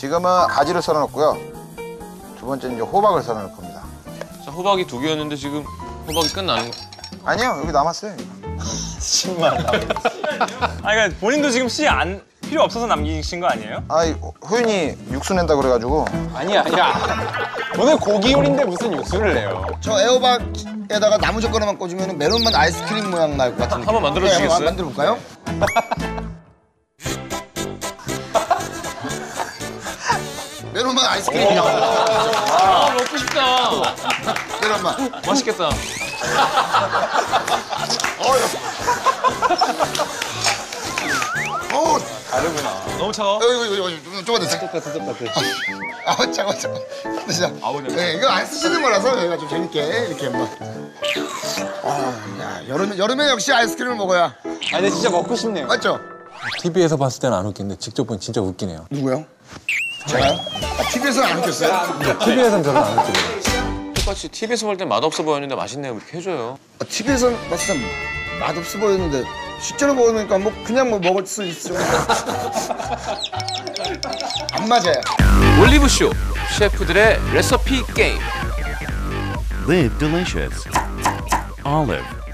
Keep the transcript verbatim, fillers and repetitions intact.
지금은 가지를 썰어놓고요. 두 번째는 이제 호박을 썰어놓을 겁니다. 자, 호박이 두 개였는데 지금 호박이 끝나는 거. 아니요, 여기 남았어요. 씨만 남. 아, 그러니까 본인도 지금 씨 안 필요 없어서 남기신 거 아니에요? 아, 호윤이 육수 낸다 그래가지고. 아니야, 아니야. 오늘 고기 요리인데 무슨 육수를 내요? 저 애호박에다가 나무 젓가락만 꽂으면 메론맛 아이스크림 모양 날 것 같은데. 한번 만들어 주시겠어요? 네, 만들어 볼까요? 메론맛 아이스크림이 나온다. 아, 먹고 싶다. 메론맛. 맛있겠다. 오, 다르구나. 너무 차가워? 이거 이거 이거 좀만 더. 똑같아, 똑같아. 아, 차가워, 차가워. 진짜. 네, 이거 안 쓰시는 거라서 저희가 좀 재밌게 이렇게 한번. 아, 야, 여름 여름에 역시 아이스크림을 먹어야. 아, 근데 진짜 먹고 싶네요. 맞죠? 티비에서 봤을 때는 안 웃긴데 직접 보니 진짜 웃기네요. 누구요? 제가요? 아, 티비에서는 안 웃겼어요? 티비에서는 별로 안 웃기네요. 똑같이 티비에서 볼 땐 맛없어 보였는데 맛있네요. 그렇게 해줘요. 아, 티비에서 봤을 땐 맛없어 보였는데 실제로 먹으니까 뭐 그냥 뭐 먹을 수 있을 정도. 안 맞아요. 올리브쇼 셰프들의 레시피 게임. Live delicious. Olive.